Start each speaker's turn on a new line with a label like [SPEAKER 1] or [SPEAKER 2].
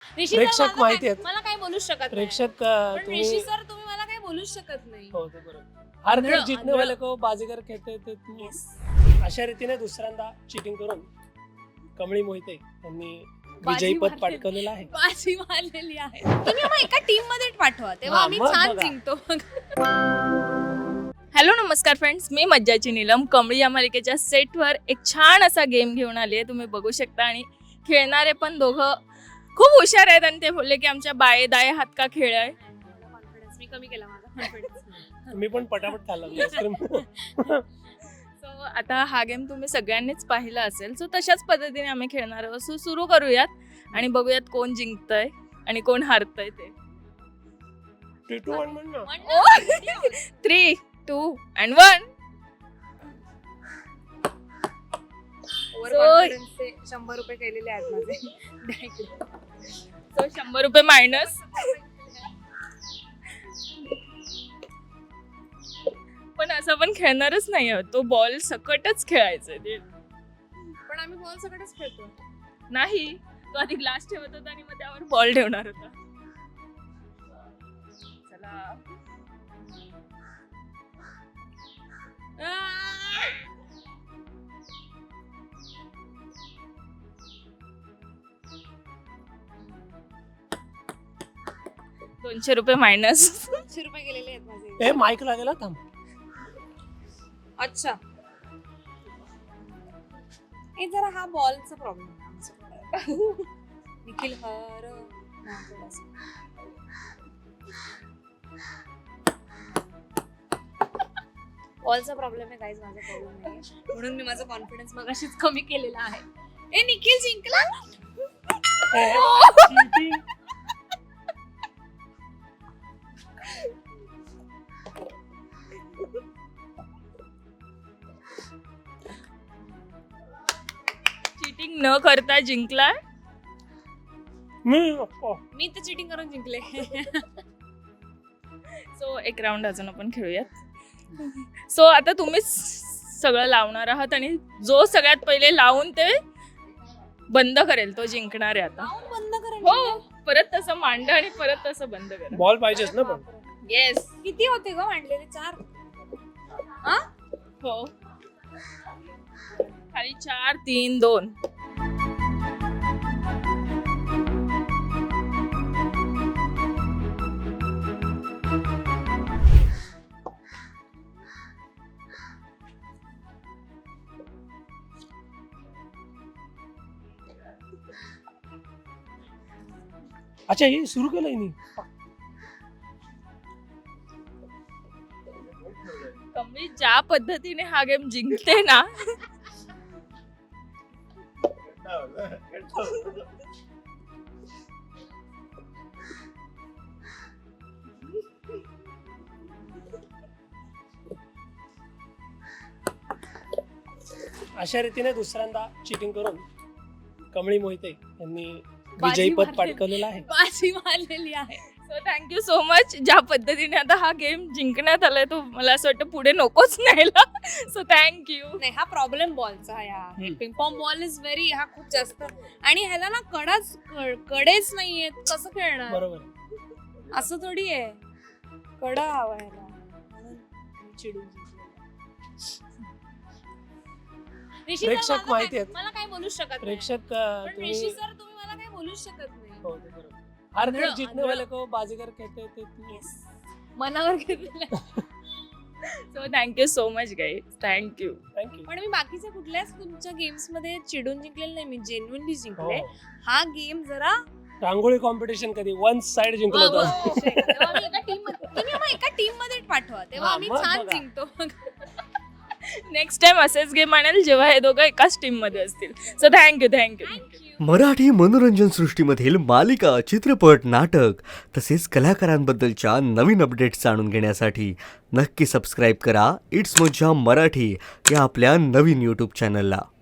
[SPEAKER 1] प्रेक्षक माहिती आहेत.
[SPEAKER 2] मला काय बोलूच शकत नाही.
[SPEAKER 1] प्रेक्षक
[SPEAKER 2] पण ऋषी सर तुम्ही मला काय बोलूच शकत नाही.
[SPEAKER 1] हो ते बरोबर. हर घर जीतने वाले को बाजीगर कहते थे तुम्ही. अशा रीतीने दुसऱ्यांदा चिटिंग करून कमळी मोहिते यांनी विजयपद पटकावलेलं आहे.
[SPEAKER 2] बाजी मारलेली आहे. तुम्ही आम्हाला एका टीम मध्ये पाठवा तेव्हा आम्ही
[SPEAKER 1] मग
[SPEAKER 2] छान
[SPEAKER 1] बघा.
[SPEAKER 2] जिंकतो. हॅलो नमस्कार फ्रेंड्स, मी मज्जाची नीलम कमळी या मालिकेच्या सेटवर एक छान असा गेम घेऊन आली आहे. तुम्ही बघू शकता आणि खेळणारे पण दोघं खूप हुशार आहेत आणि ते बोलले की आमच्या बाये दाये हात का खेळ आहे. कॉन्फिडन्स मी कमी केला माझा कॉन्फिडन्स.
[SPEAKER 1] मी पण पटापट खाल्ला आईस्क्रीम.
[SPEAKER 2] सो आता हा गेम तुम्ही सगळ्यांनीच पाहिला असेल. सो तशाच पद्धतीने आम्ही खेळणार आहोत. सो सुरू करूयात आणि बघूयात कोण जिंकतंय आणि कोण हारतंय ते.
[SPEAKER 1] 3, 2, 1 म्हण ना.
[SPEAKER 2] 3, 2 and 1.
[SPEAKER 3] ओव्हर 100 रुपये केलेले आहेत माझे.
[SPEAKER 2] सो 100 रुपये मायनस. पण असं पण खेळणारच नाही आहोत. तो बॉल सकटच खेळायचा ते.
[SPEAKER 3] पण आम्ही बॉल सगळंच खेळतो.
[SPEAKER 2] नाही, तो आधी ग्लास ठेवत होता आणि मग त्यावर बॉल ठेवणार होता. चला. 200 रुपये मायनस.
[SPEAKER 3] 200 रुपये गेलेले आहेत माझे.
[SPEAKER 1] ए माईक लागेल थांब.
[SPEAKER 3] अच्छा, हे जरा हा बॉलचा प्रॉब्लेम आहे आमच्याकडे. निखिल हर बॉलचा प्रॉब्लेम आहे गाईज, माझा प्रॉब्लेम नाही. म्हणून मी माझा कॉन्फिडन्स मगाशीच कमी केलेला आहे. ए निखिल जिंकला.
[SPEAKER 1] Cheating.
[SPEAKER 2] चीटिंग न करता जिंकलाय.
[SPEAKER 3] मी तर चिटिंग करून जिंकले.
[SPEAKER 2] सो एक राऊंड अजून आपण खेळूयात. सो आता तुम्हीच सगळं लावणार आहात आणि जो सगळ्यात पहिले लावून ते बंद करेल तो जिंकणार आहे आता.
[SPEAKER 3] बंद करेल.
[SPEAKER 2] हो, परत तसं मांडा आणि परत तसं बंद करा.
[SPEAKER 1] बॉल पाहिजेच ना पण.
[SPEAKER 2] येस.
[SPEAKER 3] किती होते ग मांडलेले? 4.
[SPEAKER 2] हो, खाली 4, 3, 2.
[SPEAKER 1] अच्छा हे सुरू केलंय मी.
[SPEAKER 2] कमी ज्या पद्धतीने हा गेम जिंकते ना,
[SPEAKER 1] अशा रीतीने दुसऱ्यांदा चिटिंग करून कमळी मोहिते यांनी विजयपद पटकावलेलं आहे.
[SPEAKER 2] बाजी मारलेली आहे. So thank you so much. ज्या पद्धतीने आता हा गेम जिंकण्यात आलाय तो मला असं वाटतं पुढे नकोच न्यायला. So thank you.
[SPEAKER 3] नाही, हा प्रॉब्लेम बॉलचा आहे. हा पिंग पॉंग बॉल इज व्हेरी, हा खूप जास्त आणि ह्याला ना कडेच नाहीयेत. कसं खेळणार?
[SPEAKER 1] बरोबर.
[SPEAKER 3] असं थोडी आहे, कडा हवा ह्याला. म्हणून चिडून
[SPEAKER 1] प्रेक्षक माहिती आहेत.
[SPEAKER 2] मला काय बोलूच शकत नाही.
[SPEAKER 1] प्रेक्षक
[SPEAKER 2] पण
[SPEAKER 1] तुम्ही.
[SPEAKER 2] ऋषी सर तुम्ही मला काय बोलूच शकत नाही.
[SPEAKER 1] हो ते बरोबर. हर घर जीतने वाले को बाजीगर कहते थे तुम्ही.
[SPEAKER 2] मनावर घेतलेलं. So thank you so much guys. Thank you.
[SPEAKER 1] Thank you.
[SPEAKER 3] पण मी बाकीच्या कुठल्याच तुमच्या गेम्स मध्ये चिडून जिंकलेलं नाही. मी जेन्युइनली जिंकले.
[SPEAKER 1] हो.
[SPEAKER 3] हा गेम जरा
[SPEAKER 1] रांगोळी कॉम्पिटिशन कधी वन साइड जिंकलं होतं.
[SPEAKER 3] तेव्हा आम्ही एका टीम मध्ये, तुम्ही आम्हाला एका टीम मध्ये पाठवा तेव्हा आम्ही
[SPEAKER 1] मग
[SPEAKER 3] छान
[SPEAKER 1] बघा.
[SPEAKER 3] जिंकतो.
[SPEAKER 2] नेक्स्ट टाइम असेच गेम आणेल जेव्हा हे दोघं एकाच टीम मध्ये असतील. So thank you.
[SPEAKER 4] मराठी मनोरंजन सृष्टीमधील मालिका, चित्रपट, नाटक तसेच कलाकारांबद्दलच्या नवीन अपडेट्स जाणून घेण्यासाठी नक्की सबस्क्राईब करा इट्स मज्जा मराठी या आपल्या नवीन यूट्यूब चॅनलला.